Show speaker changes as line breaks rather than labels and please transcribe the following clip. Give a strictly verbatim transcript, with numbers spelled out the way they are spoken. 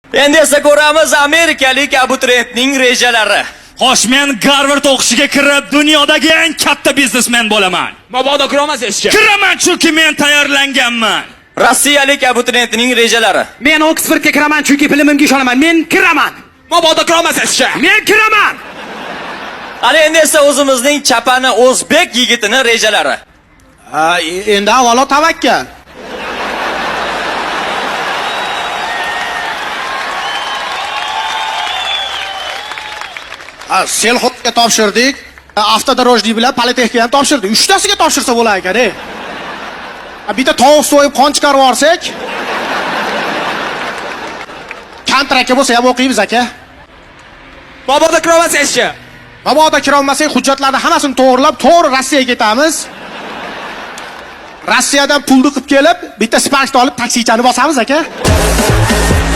Endi esa ko'ramiz amerikalik abituriyentning rejalari.
Xo'sh, men Garvard o'qishiga kirib, dunyodagi eng katta biznesmen bo'laman.
Mabodo kiramasizchi?
Kiraman, chunki men tayyorlanganman.
Rossiyalik abituriyentning rejalari.
Men Oksfordga kiraman, chunki bilimimga ishonaman. Men kiraman.
Mabodo kiramasizchi?
Men kiraman.
Ana endi esa o'zimizning chapani o'zbek yigitini rejalari.
Ha, endi avvalo tavakkal. Ha, selxozga topshirdik. Avtodorojniy bilan politexnika ham topshirdik. uchtasiga topshirsa bo'lar ekan-e. Bitta tovuq so'yib qon chiqarib olsak, kontrakka bo'lsa ham o'qiymiz aka.
Mabodo kiramasizchi?
Mabodo kira olmasak, hujjatlarni hammasini to'g'rilab, to'g'ri Rossiyaga ketamiz. Rossiyadan pulni qilib kelib, bitta sparkni olib taksichani bosamiz aka.